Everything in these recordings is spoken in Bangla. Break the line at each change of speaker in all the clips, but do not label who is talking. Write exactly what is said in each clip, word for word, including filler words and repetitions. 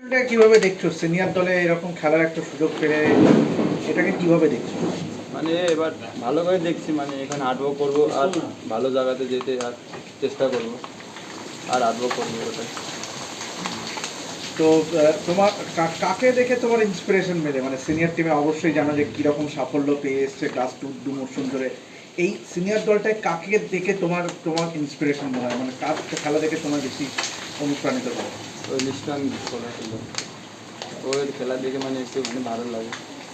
এটা কিভাবে দেখছো সিনিয়র দলে এরকম খেলার একটা সুযোগ পেলে এটাকে কিভাবে দেখছো?
মানে এবার ভালো করে দেখছি, মানে এখানে হার্ডওয়ার্ক করবো আর ভালো জায়গাতে যেতে আর চেষ্টা করবো আর হার্ডওয়ার্ক করবো ওটাই।
তো আহ, তোমার কা- কাকে দেখে তোমার ইন্সপিরেশন মেলে? মানে সিনিয়র টিমে অবশ্যই জানো যে কীরকম সাফল্য পেয়ে এসছে ক্লাস টু দু মরশুম ধরে। এই সিনিয়র দলটায় কাকে দেখে তোমার তোমার ইন্সপিরেশন মনে হয়, মানে কার খেলা দেখে তোমার বেশি অনুপ্রাণিত করে?
ওই লিস্টন করা ছিল, ওর খেলা দেখে মানে একটু মানে ভালো লাগে।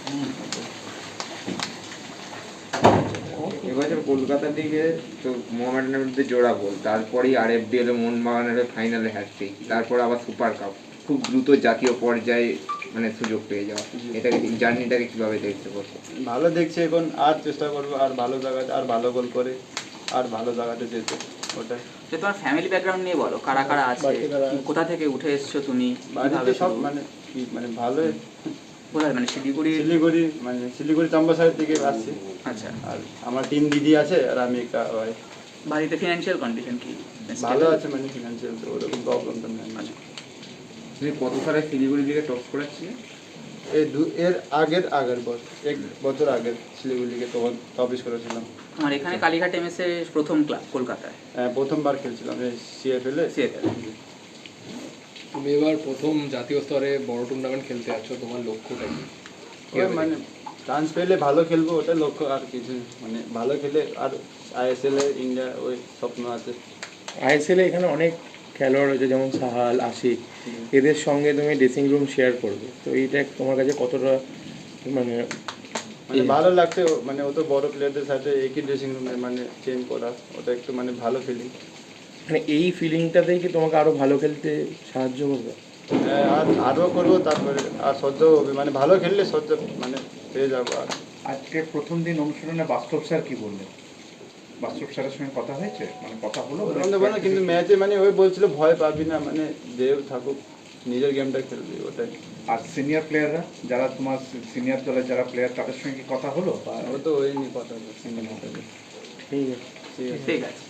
এবছর কলকাতার দিকে তো মোহামেডানের বিরুদ্ধে জোড়া গোল, তারপরেই আর এফ ডি এল মোহনবাগানের ফাইনালে হ্যাটট্রিক, তারপর আবার সুপার কাপ, খুব দ্রুত জাতীয় পর্যায়ে মানে সুযোগ পেয়ে যাওয়া, এটাকে জার্নিটাকে কীভাবে দেখতে পারবো?
ভালো দেখছি, এখন আর চেষ্টা করবো আর ভালো জায়গাতে আর ভালো গোল করে আর ভালো জায়গাতে যেতে ওটাই।
যে তোমার ফ্যামিলি ব্যাকগ্রাউন্ড নিয়ে বলো, কারা কারা আছে, কোথা থেকে উঠে এসছো তুমি,
বাড়িতে সব মানে কি মানে ভালো,
কোথায় মানে শিলিগুড়ি?
শিলিগুড়ি মানে শিলিগুড়ি চাম্বাসারের দিকে আসছি।
আচ্ছা,
আর আমার তিন দিদি আছে আর আমি একা ভাই।
বাড়িতে ফিনান্সিয়াল কন্ডিশন কি?
ভালো আছে, মানে ফিনান্সিয়াল তো ওরকম প্রবলেম তো নেই।
আচ্ছা,
তুমি কত সালে শিলিগুড়ি দিকে টপ করেছিলে?
এই দু এর আগের আগের বছর এক বছর আগের শিলিগুড়িকে তখন অফিস করেছিলাম।
আমার এখানে কালীঘাট এমএস এর প্রথম ক্লাব কলকাতায়
হ্যাঁ, প্রথমবার খেলছিলাম এই সিএফএল এ।
সিএফএল।
তুমি এবার প্রথম জাতীয় স্তরে বড় টুর্নামেন্ট খেলতে যাচ্ছ, তোমার লক্ষ্যটা কি?
ওই মানে চান্স পেলে ভালো খেলবো, ওটা লক্ষ্য, আর কিছু মানে ভালো খেলে আর আইএসএল এ ইন্ডিয়া ওই স্বপ্ন আছে।
আইএসএল এ এখানে অনেক খেলোয়াড় রয়েছে, যেমন সাহাল, আশিক, এদের সঙ্গে তুমি ড্রেসিং রুম শেয়ার করবে, তো এইটা তোমার কাছে কতটা মানে
মানে ভালো লাগছে, ও- মানে ও তো বড় প্লেয়ারদের সাথে একই ড্রেসিং রুমে মানে চেঞ্জ করা, ওটা একটু মানে ভালো ফিলিং।
মানে এই ফিলিংটাতেই কি তোমাকে আরো ভালো খেলতে সাহায্য করবে?
আর আরও করবো, তারপরে আর সহ্য হবে, মানে ভালো খেললে সহ্য মানে পেয়ে যাবো। আর
আজকে প্রথম দিন অনুশীলনে বাস্তব স্যার কি বললেন? বাস্তব স্যারের সঙ্গে কথা হয়েছে, মানে কথা হলো?
বলতে পারো, কিন্তু ম্যাচে মানে ওই বলছিল ভয় পাবি না, মানে দেব থাকুক, নিজের গেমটা খেলবি ওটাই।
আর সিনিয়র প্লেয়াররা যারা তোমার সিনিয়র দলের যারা প্লেয়ার তাদের সঙ্গে কি কথা হলো? বা
ও তো ওই নিয়ে কথা বলছি।
ঠিক আছে।
ঠিক আছে।
ঠিক আছে।